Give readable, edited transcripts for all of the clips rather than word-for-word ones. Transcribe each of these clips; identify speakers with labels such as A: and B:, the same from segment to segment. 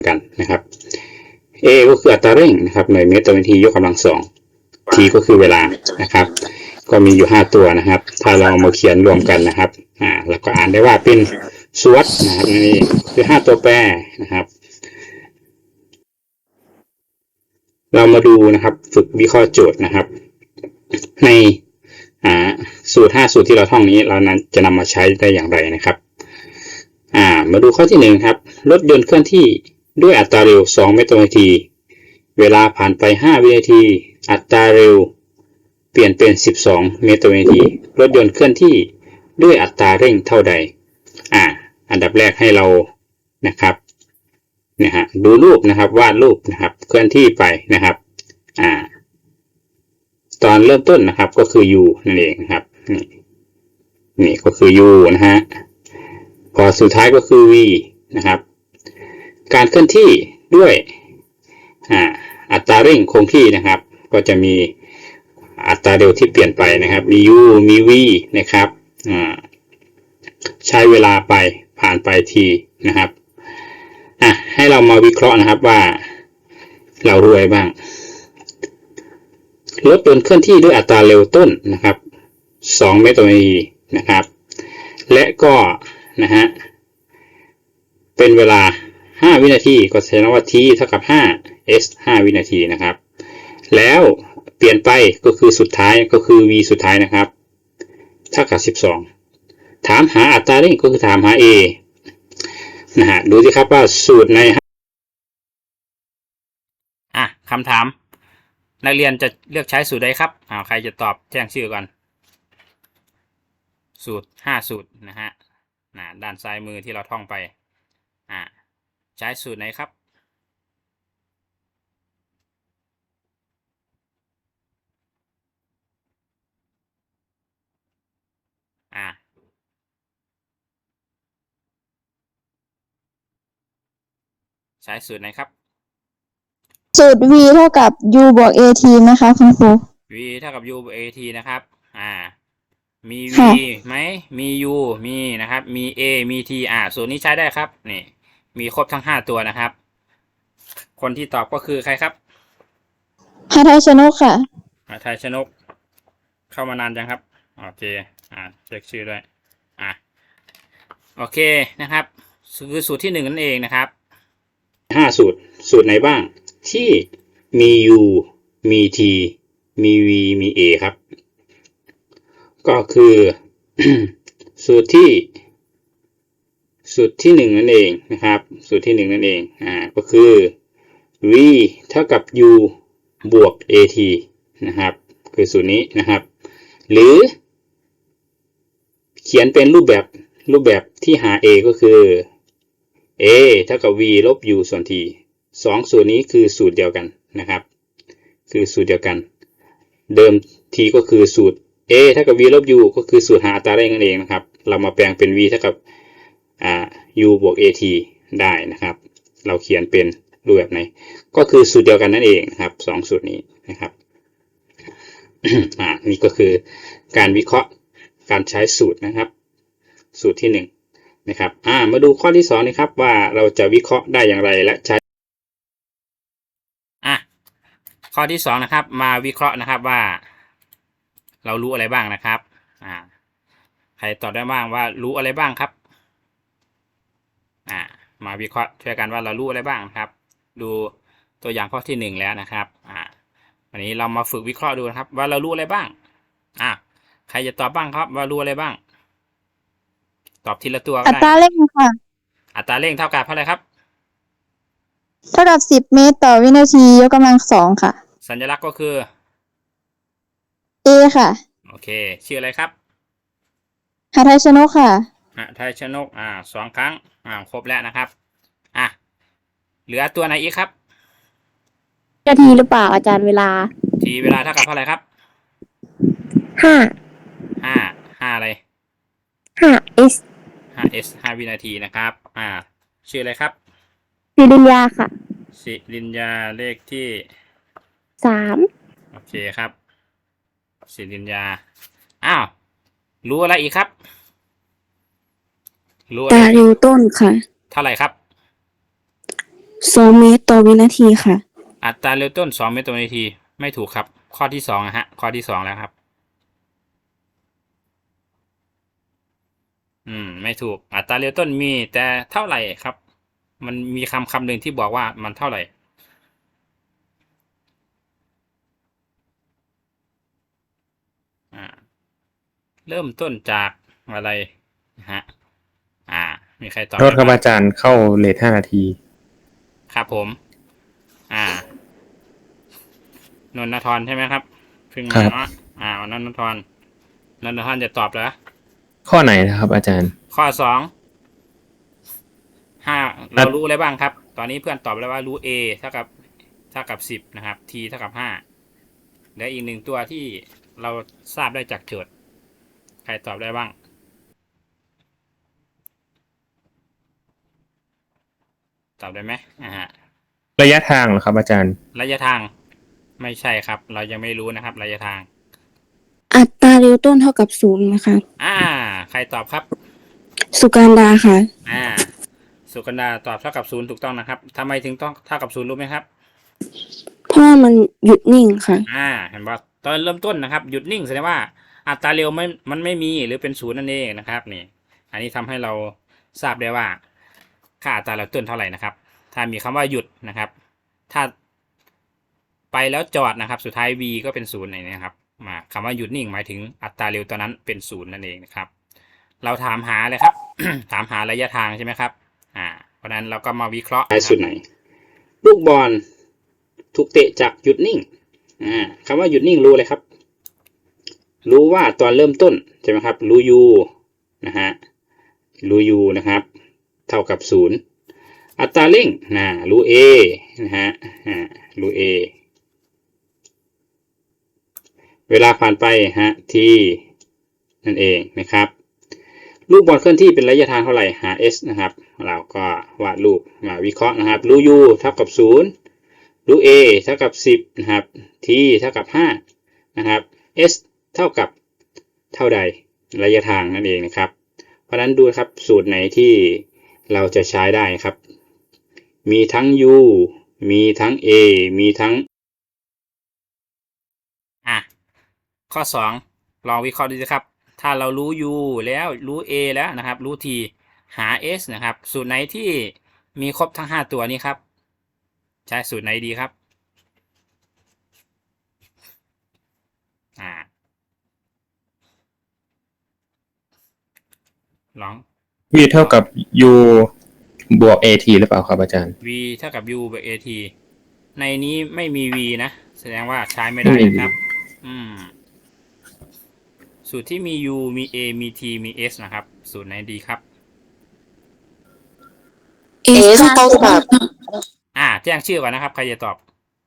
A: กันนะครับ a ก็คืออัตราเร่งนะครับหน่วยเมตรต่อวินาทียกกำลัง2 t ก็คือเวลานะครับก็มีอยู่5ตัวนะครับถ้าเรามาเขียนรวมกันนะครับแล้วก็อ่านได้ว่าเป็นสวดนะครับนี่คือ5ตัวแปรนะครับเรามาดูนะครับฝึกวิเคราะห์โจทย์นะครับในสูตร5 สูตรที่เราท่องนี้เรานั้นจะนำมาใช้ได้อย่างไรนะครับมาดูข้อที่1ครับรถยนต์เคลื่อนที่ด้วยอัตราเร็ว2เมตรต่อวินาทีเวลาผ่านไป5วินาทีอัตราเร็วเปลี่ยนเป็น12เมตรต่อวินาทีรถยนต์เคลื่อนที่ด้วยอัตราเร่งเท่าใดอันดับแรกให้เรานะครับดูรูปนะครับวาดรูปนะครับเคลื่อนที่ไปนะครับตอนเริ่มต้นนะครับก็คือ u นั่นเองนะครับนี่ก็คือ u นะฮะพอสุดท้ายก็คือ v นะครับการเคลื่อนที่ด้วยอัตราเร่งคงที่นะครับก็จะมีอัตราเร็วที่เปลี่ยนไปนะครับมี u มี v นะครับใช้เวลาไปผ่านไปทีนะครับให้เรามาวิเคราะห์นะครับว่าเรารู้อะไรบ้างรถยนต์เคลื่อนที่ด้วยอัตราเร็วต้นนะครับ2เมตรต่อวินาทีนะครับและก็นะฮะเป็นเวลา5วินาทีก็แสดงว่า t เท่ากับ5 s 5วินาทีนะครับแล้วเปลี่ยนไปก็คือสุดท้ายก็คือ v สุดท้ายนะครับเท่ากับ12ถามหาอัตราเร่งก็คือถามหา a นะฮะดูสิครับว่าสูตรในคำถามนักเรียนจะเลือกใช้สูตรใดครับใครจะตอบแจ้งชื่อก่อนสูตร5สูตรนะฮะด้านซ้ายมือที่เราท่องไปใช้สูตรไหนครับใช้สูตรไหนครับ
B: สูตร v เท่ากับ u บวก at นะคะคุณครู
A: v เท่ากับ u บวก at นะครับมี v ไหมมี u มีนะครับมี a มี t สูตรนี้ใช้ได้ครับนี่มีครบทั้ง5ตัวนะครับคนที่ตอบก็คือใครครับ
B: หาไทยชนกค่ะ
A: หาไทยชนกเข้ามานานจังครับโอเคเช็คชื่อด้วยโอเคนะครับคือสูตรที่1นั่นเองนะครับ5สูตรไหนบ้างที่มี u มี t มี v มี a ครับก็คือสูตรที่1นั่นเองนะครับสูตรที่1นั่นเองก็คือ v เท่ากับ u บวก at นะครับคือสูตรนี้นะครับหรือเขียนเป็นรูปแบบที่หา a ก็คือ a เท่ากับ v ลบ u ส่วน t 2สูตรนี้คือสูตรเดียวกันนะครับคือสูตรเดียวกันเดิม t ก็คือสูตร a เท่ากับ v ลบ u ก็คือสูตรหาอัตราเร่งนั่นเองนะครับเรามาแปลงเป็น v เท่ากับu บวก at ได้นะครับเราเขียนเป็นรูปแบบไหนก็คือสูตรเดียวกันนั่นเองนะครับ2สูตรนี้นะครับนี่ก็คือการวิเคราะห์การใช้สูตรนะครับสูตรที่1นะครับมาดูข้อที่2นะครับว่าเราจะวิเคราะห์ได้อย่างไรและใช้ข้อที่2นะครับมาวิเคราะห์นะครับว่าเรารู้อะไรบ้างนะครับใครตอบได้บ้างว่ารู้อะไรบ้างครับมาวิเคราะห์ช่วยกันว่าเรารู้อะไรบ้างนะครับดูตัวอย่างข้อที่1แล้วนะครับวันนี้เรามาฝึกวิเคราะห์ดูนะครับว่าเรารู้อะไรบ้างใครจะตอบบ้างครับว่ารู้อะไรบ้างตอบทีละตัวก็ได้
B: อัตราเร่งค่ะ
A: อัตราเร่งเท่ากับเท่าไหร่ครับ
B: เท่ากับ10เมตรต่อวินาทียกกำลัง2ค่ะ
A: สัญลักษณ์ก็คือ
B: a ค่ะ
A: โอเคชื่ออะไรครับ
B: หาไทยชนกค่ะ
A: หาไทยชนก2 ครั้งครบแล้วนะครับเหลือตัวไหนอีกครับ
B: นาทีหรือเปล่าอาจารย์เวลา
A: ทีเวลาเท่ากับเท่าไหร่ครับ5อะไร
B: 5s
A: 5s 5วินาทีนะครับชื่ออะไรครับ
B: สิรินยาค่ะ
A: สิรินยาเลขที่
B: 3
A: โอเคครับสิรินยารู้อะไรอีกครับรู้อะไร
B: ตาเร็วต้นค่ะ
A: เท่าไหร่ครับ
C: 2 เมตรต่อวินาทีค่ะ
A: อัตราเร็วต้น2 เมตรต่อวินาทีไม่ถูกครับ ข้อที่2นะฮะข้อที่2แล้วครับ ไม่ถูกอัตราเร็วต้นมีแต่เท่าไหร่ครับ มันมีคำหนึ่งที่บอกว่ามันเท่าไหร่ เริ่มต้นจากอะไรนะฮะมีใครตอบ
D: โทษครับอาจารย์เข้าเลท5 นาที
A: ครับผม นนทรใช่ไหมครับเพิ่งมาเนาะนนทรจะตอบแล้ว
D: ข้อไหนนะครับอาจารย์
A: ข้อ5เรารู้อะไรบ้างครับ ตอนนี้เพื่อนตอบแล้วว่ารู้ a เท่ากับ10นะครับ t เท่ากับ5และอีกหนึ่งตัวที่เราทราบได้จากโจทย์ใครตอบได้บ้างตอบได้ไหม
D: ระยะทางเหรอครับอาจารย์
A: ระยะทางไม่ใช่ครับ เรายังไม่รู้นะครับระยะทาง
C: อัตราเร็วต้นเท่ากับ0นะคะ
A: ใครตอบครับ
C: สุการดาค่ะ
A: สุกันดาตอบเท่ากับ0ถูกต้องนะครับทำไมถึงต้องเท่ากับ0รู้ไหมครับ
C: เพราะว่ามันหยุดนิ่งค่ะ
A: เห็นป่ะตอนเริ่มต้นนะครับหยุดนิ่งแสดงว่าอัตราเร็วมันไม่มีหรือเป็น0นั่นเองนะครับนี่อันนี้ทำให้เราทราบได้ว่าค่าอัตราเริ่มต้นเท่าไหร่นะครับถ้ามีคำว่าหยุดนะครับถ้าไปแล้วจอดนะครับสุดท้าย v ก็เป็น0อย่างนี้ครับคำว่าหยุดนิ่งหมายถึงอัตราเร็วตอนนั้นเป็น0นั่นเองนะครับเราถามหาเลยครับ ถามหาระยะทางใช่ไหมครับเพราะนั้นเราก็มาวิเคราะห์สุดไหนลูกบอลถูกเตะจากหยุดนิ่งคำว่าหยุดนิ่งรู้เลยครับรู้ว่าตอนเริ่มต้นใช่ไหมครับรู้ u นะฮะรู้ u นะครับเท่ากับ0อัตราเร่งรู้ a นะฮะรู้ a เวลาผ่านไปt นั่นเองนะครับลูกบอลเคลื่อนที่เป็นระยะทางเท่าไหร่หา s นะครับเราก็วาดรูปมาวิเคราะห์นะครับรู้ u เท่ากับ0รู้ a เท่ากับ10นะครับ t เท่ากับ5นะครับ s เท่ากับเท่าใดระยะทางนั่นเองนะครับเพราะนั้นดูครับสูตรไหนที่เราจะใช้ได้ครับมีทั้ง u มีทั้ง a มีทั้งข้อ2ลองวิเคราะห์ดูสิครับถ้าเรารู้ u แล้วรู้ a แล้วนะครับรู้ t หา s นะครับสูตรไหนที่มีครบทั้ง5ตัวนี้ครับใช้สูตรไหนดีครับลอง
D: v เท่ากับ u บวก at หรือเปล่าครับอาจารย์
A: v เท่ากับ u บวก at ในนี้ไม่มี v นะแสดงว่าใช้ไม่ได้นะครับสูตรที่มี u มี a มี t มี s นะครับสูตรไหนดีครับ
C: S เท่ากับ
A: แจ้งชื่อก่อนนะครับใครจะตอบ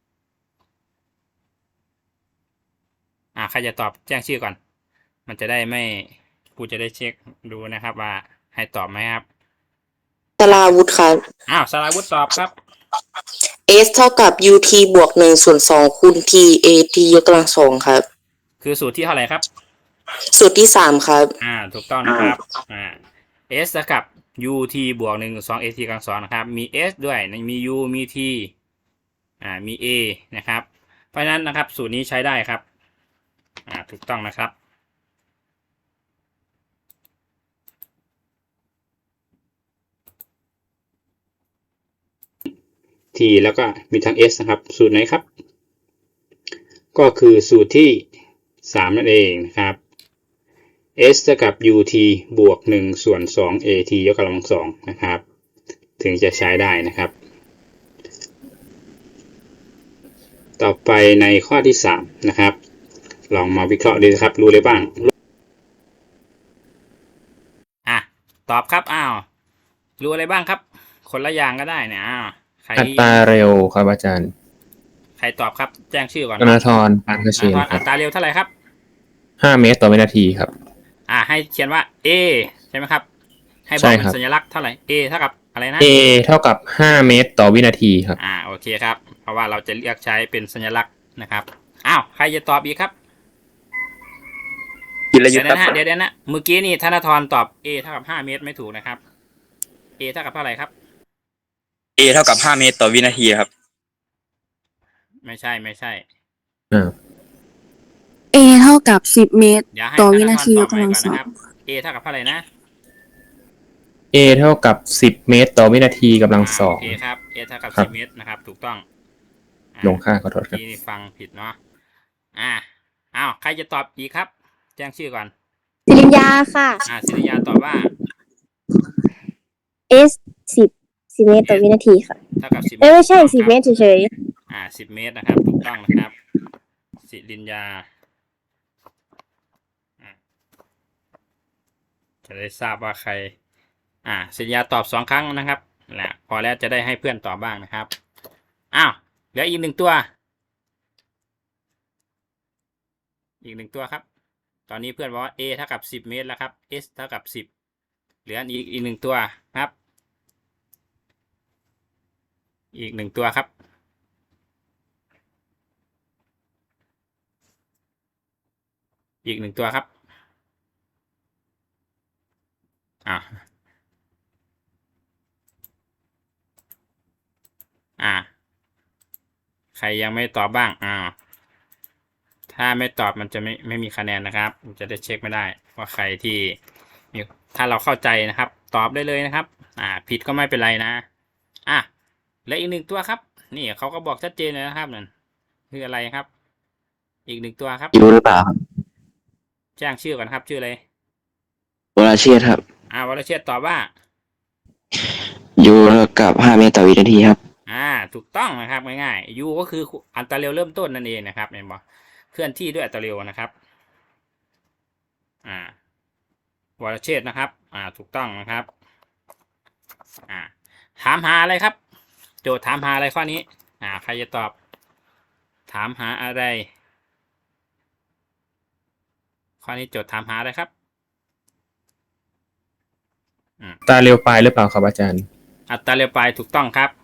A: ใครจะตอบแจ้งชื่อก่อน มันจะได้ไม่กูจะได้เช็คดูนะครับว่าให้ตอบไหมครับ
E: สราวุธครับ
A: สราวุธตอบครับ
E: S เท่ากับ UT บวก1/2คูณ TAT ยกกำลัง2ครับ
A: คือสูตรที่เท่าไหร่ครับ
E: สูตรที่3ครับ
A: ถูกต้องนะครับS เท่ากับ UT บวก1/2 AT กำลัง2นะครับมี S ด้วยมี U มี T มี A นะครับเพราะฉะนั้นนะครับสูตรนี้ใช้ได้ครับถูกต้องนะครับทีแล้วก็มีทั้ง s นะครับสูตรไหนครับก็คือสูตรที่3นั่นเองนะครับ s เท่ากับ ut บวก1/2 at ยกกำลัง2นะครับถึงจะใช้ได้นะครับต่อไปในข้อที่3นะครับลองมาวิเคราะห์ดูครับรู้เลยบ้างตอบครับรู้อะไรบ้างครับคนละอย่างก็ได้เนี่ย
D: อัตราเร็วครับอาจารย์
A: ใครตอบครับแจ้งชื่อก่อน
D: ธนาธรปานกเชน
A: อัตราเร็วเท่าไหร่ครับ
D: 5 เมตรต่อวินาทีครับ
A: ให้เขียนว่า a ใช่ไหมครับให้บอกเป็นสัญลักษณ์เท่าไหร่ a เท่ากับอะไรนะ
D: a เท่ากับ5 เมตรต่อวินาทีครับ
A: โอเคครับเพราะว่าเราจะเลือกใช้เป็นสัญลักษณ์นะครับใครจะตอบอีกครับเดี๋ยวนะเมื่อกี้นี่ธนาธรตอบ a เท่ากับ5 เมตรไม่ถูกนะครับ a เท่ากับเท่าไหร่ครับ
F: A เท่ากับ5 เมตรต่อวินาทีครับ
A: ไม่ใช่ไม่ใช่
D: อ่า
C: A เท่ากับ10 เมตร
A: เดี๋ยวให้
C: ต่อ
A: ธ
C: วิ
A: น
C: นา
A: ทร
C: ที
A: ต
C: ย
A: อบ
C: ก
A: ใหม่
C: กำลัง
A: ก่อน
C: สอ
A: นะค
C: ง
A: รับ A เท่ากับเท่าไหร่นะ
D: A เท่ากับ10 เมตรต่อวินาทีกำลังสอ
A: โอง เคครับ A เท่ากับ
D: ครับ
A: 10 เมตรนะครับ ถูกต้อง
D: ลงค่าขอโทษครับ
A: ที่นี่ฟังผิดเนาะอ้าวใครจะตอบอีกครับ แจ้งชื่อก่อน
B: สิริญญาค่ะ
A: ศิริยาตอบว่า
B: S 10 เมตรต่อวินาทีค่ะ
A: เท่ากับ10 เมตร
B: ไม่ใช่
A: ถูกต้อง
B: 10 เมตรเฉย
A: 10 เมตรนะครับ ถูกต้องนะครับ สิริญญาจะได้ทราบว่าใคร สิริญญาตอบ2 ครั้งนะครับแหละพอแล้วจะได้ให้เพื่อนตอบบ้างนะครับเหลืออีก1 ตัว อีก1 ตัวครับ ตอนนี้เพื่อนบอกว่า A เท่ากับ10 เมตรแล้วครับ S เท่ากับ10เหลืออีก1 ตัวครับ อีก1 ตัวครับ อีก1 ตัวครับใครยังไม่ตอบบ้างถ้าไม่ตอบมันจะไม่มีคะแนนนะครับ มันจะได้เช็คไม่ได้ว่าใครที่มีถ้าเราเข้าใจนะครับ ตอบได้เลยนะครับผิดก็ไม่เป็นไรนะและอีก1 ตัวครับ นี่เขาก็บอกชัดเจนเลยนะครับนั่นคืออะไรครับ อีก1 ตัวครับ
G: ยูหรือเปล่าครับ
A: แจ้งชื่อก่อนครับ ชื่ออะไร
G: วรเชษฐ์ครับ
A: วรเชษฐ์ตอบว่า
G: ยูเท่ากับ5 เมตรต่อวินาทีครับ
A: ถูกต้องนะครับง่ายๆ u ก็คืออัตราเร็วเริ่มต้นนั่นเองนะครับเห็นบ่เคลื่อนที่ด้วยอัตราเร็วนะครับวรเชษฐ์นะครับถูกต้องนะครับถามหาอะไรครับ โจทย์ถามหาอะไรข้อนี้ใครจะตอบ ถามหาอะไร ข้อนี้โจทย์ถามหาอะไรครับ
D: ตาเร็วไปหรือเปล่าครับอาจารย์
A: อัตราเร็วปลายถูกต้องครับ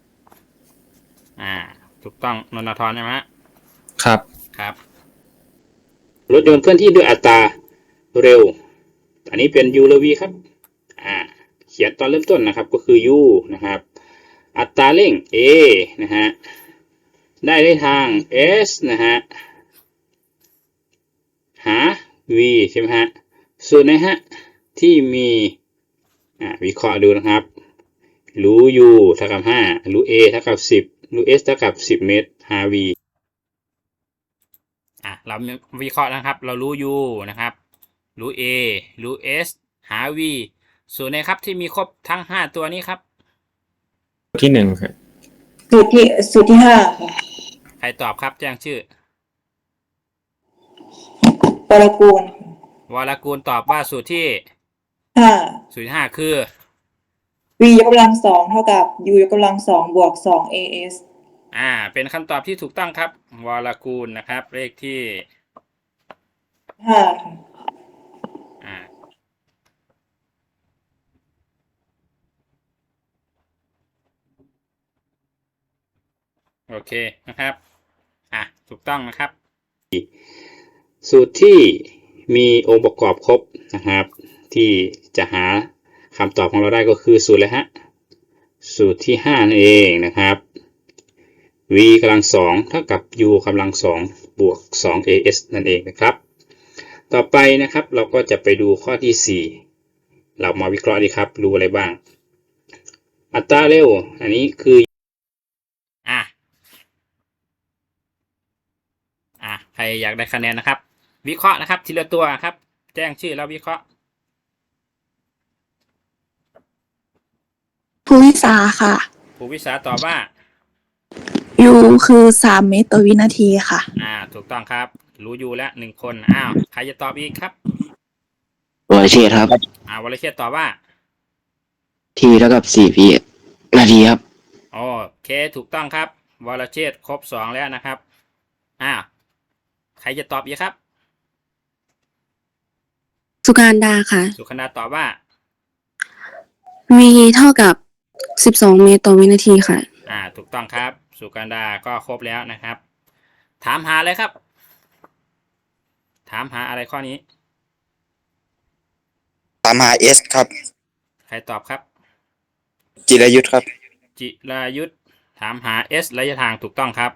A: ถูกต้องนนทรใช่ไหม
D: ครับ
A: ครับรถยนต์เคลื่อนที่ด้วยอัตราเร็ว อันนี้เป็น u และ v ครับเขียนตอนเริ่มต้นนะครับก็คือ u นะครับ อัตราเร่ง a นะฮะได้ทาง s นะฮะหา v ใช่ไหมฮะส่วนนะฮะที่มีวิเคราะห์ดูนะครับรู้ u เท่ากับ5รู้ a เท่ากับ10รู้ s เท่ากับ10 เมตรหา v เราวิเคราะห์นะครับ เรารู้ u นะครับรู้ a รู้ s หา v ส่วนไหนครับที่มีครบทั้ง5 ตัวนี้ครับ
D: ที่1ครับ
E: สูตรที่5ค่ะ
A: ใครตอบครับแจ้งชื่อ
E: วรกูล
A: วรกูลตอบว่าสูตรที่
E: 5
A: สูตรที่5คือ
E: v ยกกำลัง2เท่ากับ u ยกกำลัง2บวก2 as
A: เป็นคำตอบที่ถูกต้องครับวรกูลนะครับเลขที่
E: 5ค่ะ
A: โอเคนะครับถูกต้องนะครับ สูตรที่มีองค์ประกอบครบนะครับ ที่จะหาคำตอบของเราได้ก็คือสูตรอะไรฮะสูตรที่5นั่นเองนะครับ v กำลัง2เท่ากับ u กำลัง2บวก2 as นั่นเองนะครับ ต่อไปนะครับเราก็จะไปดูข้อที่4เรามาวิเคราะห์ดีครับรู้อะไรบ้าง อัตราเร็วอันนี้คือใครอยากได้คะแนนนะครับ วิเคราะห์นะครับทีละตัวครับ แจ้งชื่อแล้ววิเคราะห์
C: ภูวิสาค่ะ
A: ภูวิสาตอบว่า
C: U คือ3 เมตรต่อวินาทีค่ะ
A: ถูกต้องครับรู้อยู่แล้ว1 คนใครจะตอบอีกครับ
G: วรเชษฐ์ครับ
A: วรเชษฐ์ตอบว่า
G: ทีเท่ากับ4 วินาทีครับ
A: โอเคถูกต้องครับวรเชษฐ์ครบ2แล้วนะครับใครจะตอบอีกครับ
C: สุการดาค่ะ
A: สุขนาตอบว่า
C: V เท่ากับ12 เมตรต่อวินาทีค่ะ
A: ถูกต้องครับสุการดาก็ครบแล้วนะครับ ถามหาอะไรครับ ถามหาอะไรข้อนี้
F: ถามหา S ครับ
A: ใครตอบครับ
F: จิรยุทธครับ
A: จิรายุทธถามหา s ระยะทางถูกต้องครับ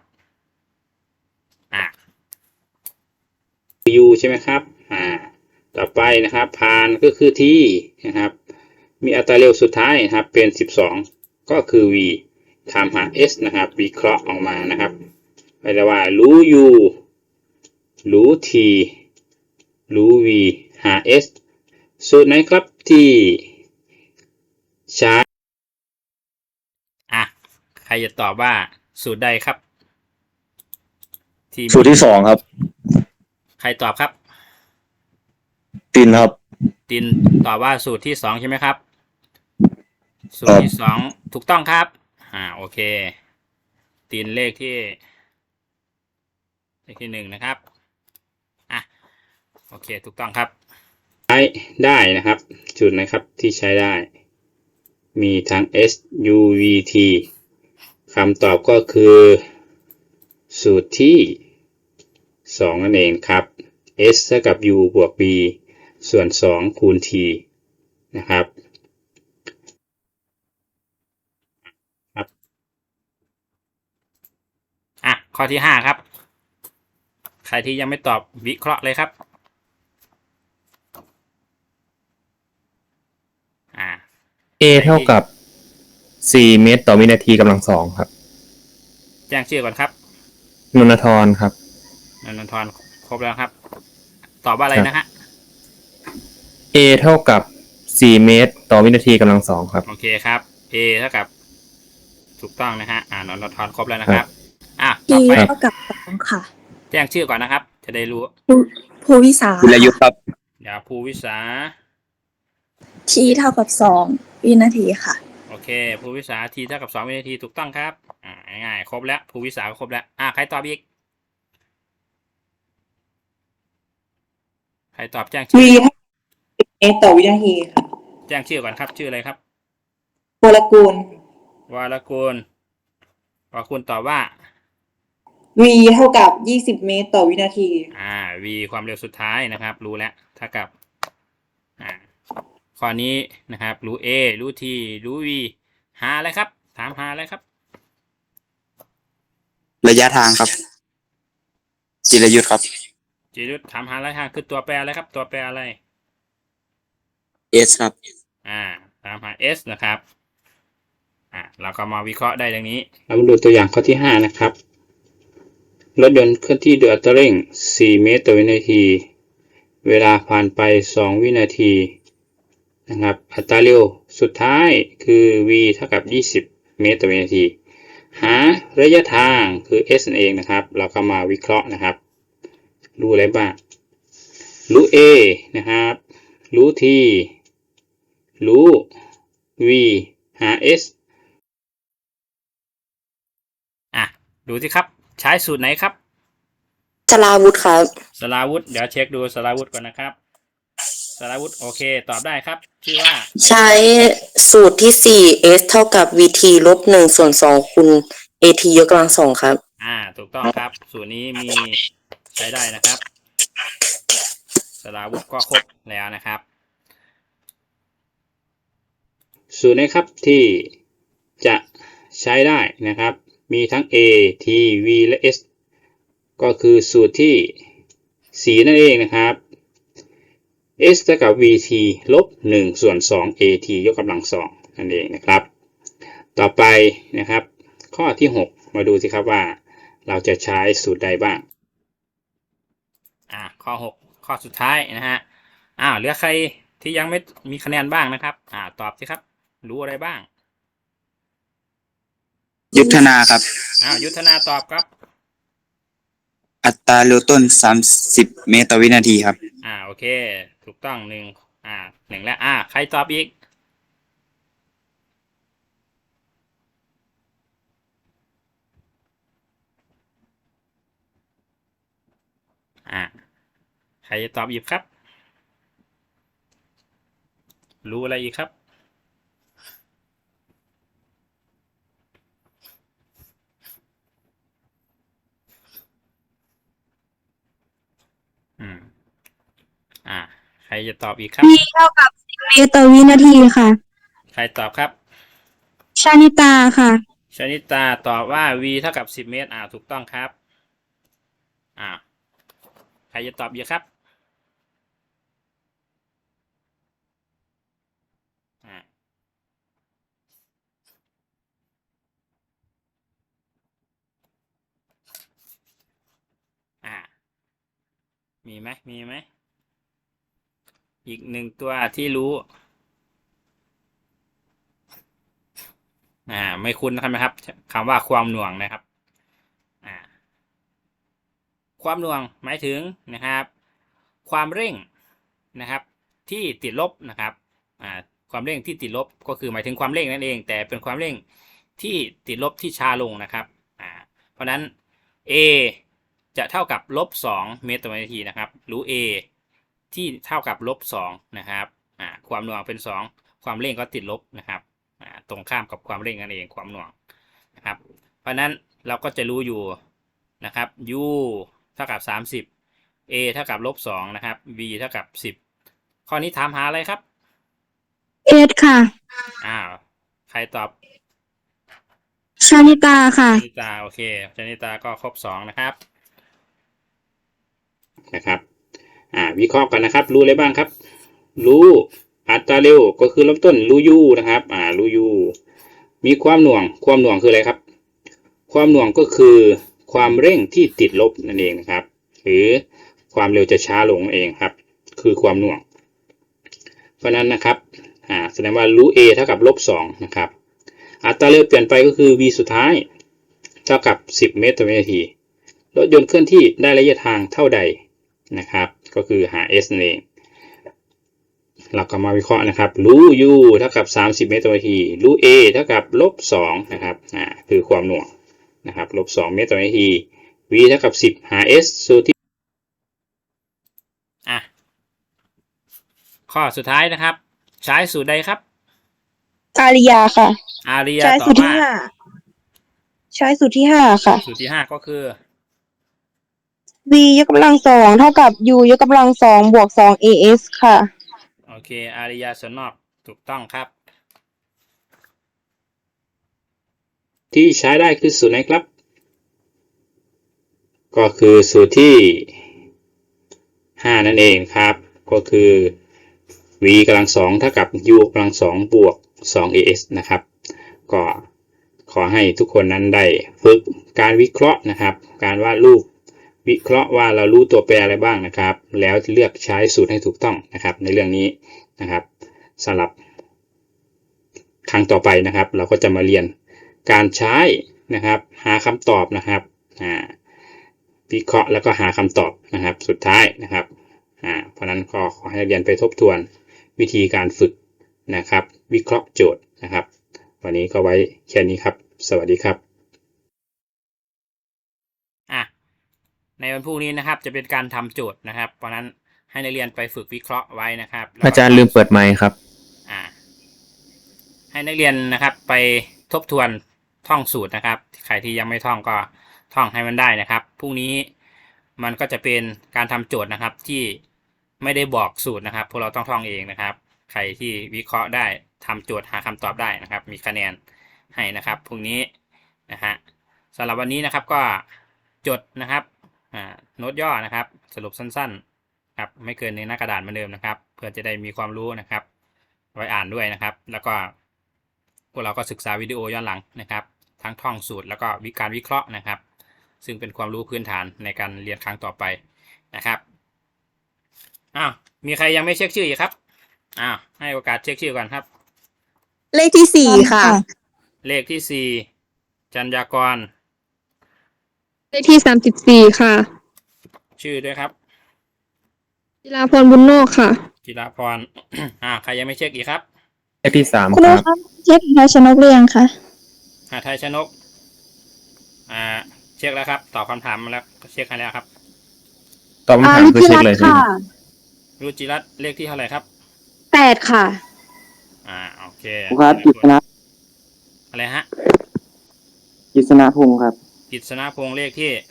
A: u ใช่ไหมครับต่อไปนะครับพานก็คือ t นะครับมีอัตราเร็วสุดท้ายนะครับเป็น12ก็คือ v ถามหา s นะครับวิเคราะห์ออกมานะครับไปแล้วว่ารู้ u รู้ t รู้ v หา s สูตรไหนครับที่ใช้ใครจะตอบว่าสูตรใดครับ
G: สูตรที่สองครับ
A: ใครตอบครับ
G: ตินครับ
A: ตินตอบว่าสูตรที่2ใช่ไหมครับสูตรที่2ถูกต้องครับโอเคตินเลขที่1นะครับโอเคถูกต้องครับใช้ได้นะครับสูตรนะครับที่ใช้ได้มีทั้ง s u v t คำตอบก็คือสูตรที่2นั่นเองครับ s เท่ากับ u บวก b ส่วน2คูณ t นะครับข้อที่5ครับใครที่ยังไม่ตอบวิเคราะห์เลยครับ
D: A เท่ากับ4 เมตรต่อวินาทีกำลังสองครับ
A: แจ้งชื่อก่อนครับ
D: นนทรครับ
A: นนทรครบแล้วครับตอบว่าอะไรนะฮะ
D: A เท่ากับ4 เมตรต่อวินาทีกำลังสองครับ
A: โอเคครับ A เท่ากับถูกต้องนะฮะนนทรครบแล้วนะครับต่อไป
C: เท่ากับ2ค่ะ
A: แจ้งชื่อก่อนนะครับ จะได้รู้
C: ภูวิสา
G: จิรายุทธครับ
A: เดี๋ยวภูวิสา
C: T เท่ากับ2วินาทีค่ะ
A: โอเคภูวิสา t เท่ากับ2วินาทีถูกต้องครับง่ายๆครบแล้วภูวิสาก็ครบแล้วใครตอบอีกใครตอบแจ้งชื่อ
H: v เมตรต่อวินาทีค่ะ
A: แจ้งชื่อก่อนครับชื่ออะไรครับ
H: วรกูล
A: วรกูลตอบว่า
H: v เท่ากับ20เมตรต่อวินาที
A: v ความเร็วสุดท้ายนะครับรู้แล้วเท่ากับข้อนี้นะครับรู้ a รู้ t รู้ v หาอะไรครับถามหาอะไรครับ
F: ระยะทางครับ จิรายุทธครับ
A: จิรุธถามหาระยะทางคือตัวแปรอะไรครับตัวแปรอะไร
F: S ครับ
A: ตามหา s นะครับเราก็มาวิเคราะห์ได้ดังนี้เรามาดูตัวอย่างข้อที่5นะครับรถยนต์เคลื่อนที่ด้วยอัตราเร่ง4 เมตรต่อวินาทีเวลาผ่านไป2 วินาทีนะครับอัตราเร็วสุดท้ายคือ v เท่ากับ20 เมตรต่อวินาทีหาระยะทางคือ s นั่นเองนะครับเราก็มาวิเคราะห์นะครับรู้อะไรบ้างรู้ a นะครับรู้ t รู้ v หา s ดูสิครับใช้สูตรไหนครับ
E: สลาวุธครับ
A: สลาวุธเดี๋ยวเช็คดูสลาวุธก่อนนะครับสลาวุธโอเคตอบได้ครับชื่อว่า
E: ใช้สูตรที่4 s เท่ากับ vt ลบ1ส่วน2คูณ at ยกกำลัง2ครับ
A: ถูกต้องครับสูตรนี้มีใช้ได้นะครับสลาวุธก็ครบแล้วนะครับสูตรนี้ครับที่จะใช้ได้นะครับมีทั้ง a t v และ s ก็คือสูตรที่4นั่นเองนะครับ s เท่ากับ vt ลบ1ส่วน2 at ยกกำลัง2นั่นเองนะครับต่อไปนะครับข้อที่6มาดูสิครับว่าเราจะใช้สูตรใดบ้างข้อ6ข้อสุดท้ายนะฮะเหลือใครที่ยังไม่มีคะแนนบ้างนะครับตอบสิครับรู้อะไรบ้าง
F: ยุทธนาครับ
A: ยุทธนาตอบครับ
F: อัตราเร็วต้น30 เมตรต่อวินาทีครับ
A: โอเคถูกต้อง1แล้วใครตอบอีกใครจะตอบอีกครับรู้อะไรอีกครับใครจะตอบอีกครับ
B: v เท่ากับ10 เมตรต่อวินาทีค่ะ
A: ใครตอบครับ
C: ชานิตาค่ะ
I: ชนิตาตอบว่า v เท่ากับ10 เมตรถูกต้องครับใครจะตอบอีกครับมีไหมอีกหนึ่งตัวที่รู้ไม่คุ้นนะครับคำว่าความหน่วงนะครับความหน่วงหมายถึงนะครับความเร่งนะครับที่ติดลบนะครับความเร่งที่ติดลบก็คือหมายถึงความเร่งนั่นเองแต่เป็นความเร่งที่ติดลบที่ช้าลงนะครับเพราะนั้น a จะเท่ากับ-2 เมตรต่อวินาทีนะครับรู้ a ที่เท่ากับ-2นะครับความหน่วงเป็น2ความเร่งก็ติดลบนะครับตรงข้ามกับความเร่งนั่นเองความหน่วงนะครับเพราะนั้นเราก็จะรู้อยู่นะครับ u เท่ากับ30 a เท่ากับ-2นะครับ v เท่ากับ10ข้อนี้ถามหาอะไรครับ
C: เอสค่ะ
I: ใครตอบ
C: ชานิตาค่ะ
I: ชนิตาโอเคชนิตาก็ครบ2นะครับ
A: วิเคราะห์กันนะครับรู้อะไรบ้างครับรู้อัตราเร็วก็คือเริ่มต้นรู้ u นะครับรู้ u มีความหน่วงคืออะไรครับความหน่วงก็คือความเร่งที่ติดลบนั่นเองนะครับหรือความเร็วจะช้าลงเองครับคือความหน่วงเพราะนั้นนะครับแสดงว่ารู้ a เท่ากับ-2นะครับอัตราเร็วเปลี่ยนไปก็คือ v สุดท้ายเท่ากับ10 เมตรต่อวินาทีรถยนต์เคลื่อนที่ได้ระยะทางเท่าใดนะครับก็คือหา s นั่นเองเราก็มาวิเคราะห์นะครับรู้ u เท่ากับ30 เมตรต่อวินาทีรู้ a เท่ากับ-2นะครับคือความหน่วงนะครับ-2 เมตรต่อวินาที v เท่ากับ10หา s สูตรที่
I: ข้อสุดท้ายนะครับใช้สูตรใดครับ
H: อาริยาค่ะ
I: อาริยา
H: ใช้
I: ตอ
H: สู
I: บ
H: ตรที่
I: ว่า
H: ใช้สูตรที่5ค่ะ
I: สูตรที่5ก็คือ
H: v ยกกำลัง2เท่ากับ u ยกกำลัง2บวก2 as ค่ะ
I: โอเคอาริยาส่วนนอกถูกต้องครับ
A: ที่ใช้ได้คือสูตรไหนครับก็คือสูตรที่5นั่นเองครับก็คือ v กำลัง2เท่ากับ u กำลัง2บวก2 as นะครับก็ขอให้ทุกคนนั้นได้ฝึกการวิเคราะห์นะครับการวาดรูปวิเคราะห์ว่าเรารู้ตัวแปรอะไรบ้างนะครับแล้วเลือกใช้สูตรให้ถูกต้องนะครับในเรื่องนี้นะครับสำหรับครั้งต่อไปนะครับเราก็จะมาเรียนการใช้นะครับหาคำตอบนะครับวิเคราะห์แล้วก็หาคำตอบนะครับสุดท้ายนะครับเพราะนั้นก็ขอให้เรียนไปทบทวนวิธีการฝึกนะครับวิเคราะห์โจทย์นะครับวันนี้ก็ไว้แค่นี้ครับสวัสดีครับ
I: ในวันพรุ่งนี้นะครับจะเป็นการทำโจทย์นะครับเพราะนั้นให้นักเรียนไปฝึกวิเคราะห์ไว้นะครับ
D: อาจารย์ลืมเปิดไมค์ครับ
I: ให้นักเรียนนะครับไปทบทวนท่องสูตรนะครับใครที่ยังไม่ท่องก็ท่องให้มันได้นะครับพรุ่งนี้มันก็จะเป็นการทำโจทย์นะครับที่ไม่ได้บอกสูตรนะครับพวกเราต้องท่องเองนะครับใครที่วิเคราะห์ได้ทำโจทย์หาคำตอบได้นะครับมีคะแนนให้นะครับพรุ่งนี้นะฮะสำหรับวันนี้นะครับก็จดนะครับโน้ตย่อนะครับสรุปสั้นๆครับไม่เกินในหน้ากระดาษเหมือนเดิมนะครับเพื่อจะได้มีความรู้นะครับไว้อ่านด้วยนะครับแล้วก็พวกเราก็ศึกษาวิดีโอย้อนหลังนะครับทั้งท่องสูตรแล้วก็การวิเคราะห์นะครับซึ่งเป็นความรู้พื้นฐานในการเรียนครั้งต่อไปนะครับมีใครยังไม่เช็คชื่ออีกครับให้โอกาสเช็คชื่อก่อนครับ
B: เลขที่4ค่ะ
I: เลขที่4จัญญากร
C: เลขที่34ค่ะ
I: ชื่อด้วยครับ
C: จิราพรบุญโนกค่ะ
I: จิราพร ใครยังไม่เช็คอีกครับ
D: เลขที่3
B: คุณ
D: ครับ
B: เช็คไทยชนกเรียงค่ะ
I: ไทยชนกเช็คแล้วครับตอบคำถามมาแล้วเช็คให้แล้วครับ
D: ตอบคำถามคือเช็คเลยใช่ไหม
I: รุจิรัตน์เลขที่เท่าไหร่ครับ
C: 8ค่ะ
I: โอเค
F: ครับกิษณะ
I: อะไรฮะ
F: กิษณพงศ์ครับ
I: กิษณพงศ์เลขที่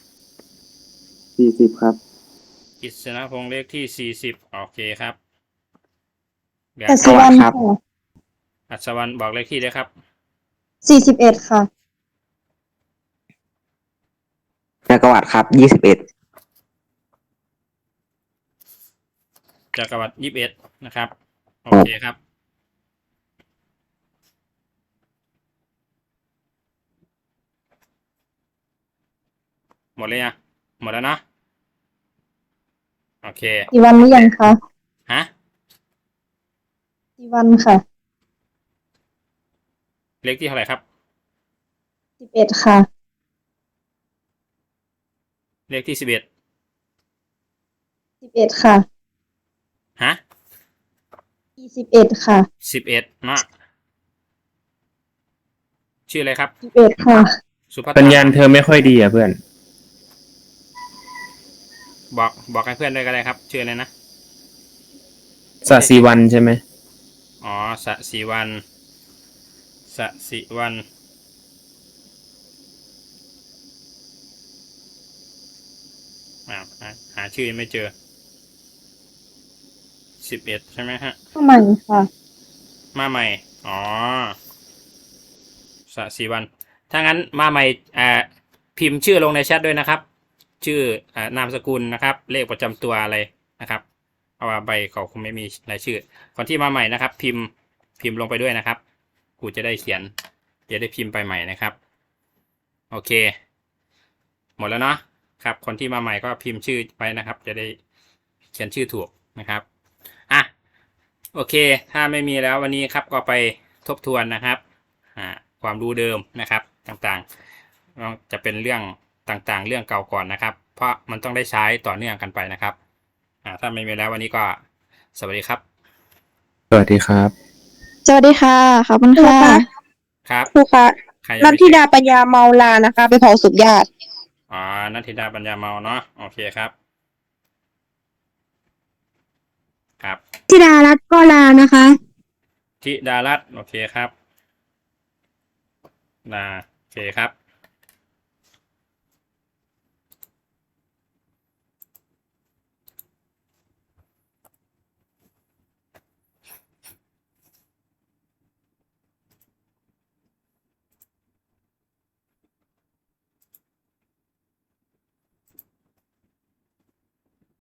F: 40ครับ
I: กิษณพงศ์เลขที่40โอเคครับ
B: อัศวรรณครับ
I: อัศวรรณบอกเลขที่ด้วยครับ
B: 41ค่ะ
G: จักรวรรดิครับ21
I: จักรวรรดิ21นะครับ โอเคครับ หมดเลยอ่ะหมดแล้วเนาะโอเค
B: กี่วันหรือยังคะ
I: ฮะ
B: กี่วันค่ะ
I: เลขที่เท่าไหร่ครับ
B: 11ค่ะ
I: เลขที่11
B: 11ค่ะ
I: ฮะ
B: 21ค่ะ
I: 11เนาะชื่ออะไรครับ
B: 11ค่ะ
I: สุภัต
D: สัญ
I: ตา
D: ญาณเธอไม่ค่อยดีอ่ะเพื่อน
I: บอกให้เพื่อนด้วยก็ได้ครับ ชื่ออะไรนะ
D: สศิวันใช่ไหม
I: อ๋อสศิวันสศิวันหาชื่อไม่เจอ11ใช่ไหมฮะ
B: เข้าใหม่ค่ะ
I: มาใหม่ อ๋อสศิวัน ถ้างั้นมาใหม่พิมพ์ชื่อลงในแชทด้วยนะครับ ชื่อนามสกุลนะครับ เลขประจำตัวอะไรนะครับ เพราะว่าใบเขาคงไม่มีรายชื่อ คนที่มาใหม่นะครับ พิมพ์ลงไปด้วยนะครับครูจะได้เขียน จะได้พิมพ์ไปใหม่นะครับ โอเค หมดแล้วเนาะครับ คนที่มาใหม่ก็พิมพ์ชื่อไปนะครับ จะได้เขียนชื่อถูกนะครับอ่ะโอเค ถ้าไม่มีแล้ววันนี้ครับก็ไปทบทวนนะครับความรู้เดิมนะครับต่างๆจะเป็นเรื่องต่างๆ เรื่องเก่าก่อนนะครับ เพราะมันต้องได้ใช้ต่อเนื่องกันไปนะครับถ้าไม่มีแล้ววันนี้ก็สวัสดีครับ
D: สวัสดีครับ
B: สวัสดีค่ะ ขอบคุณค่ะ
I: ครับ
H: ครูคะ
I: ใครยัง
H: นัท
I: ไม่
H: ธิ
I: เสร็จ
H: ดาปัญญาเมาลานะคะ ไปเผาศพญาติ
I: อ๋อนัทธิดาปัญญาเมาเนาะโอเคครับครับ
C: ธิดารัตน์ก็ลานะคะ
I: ธิดารัตน์โอเคครับโอเคครับ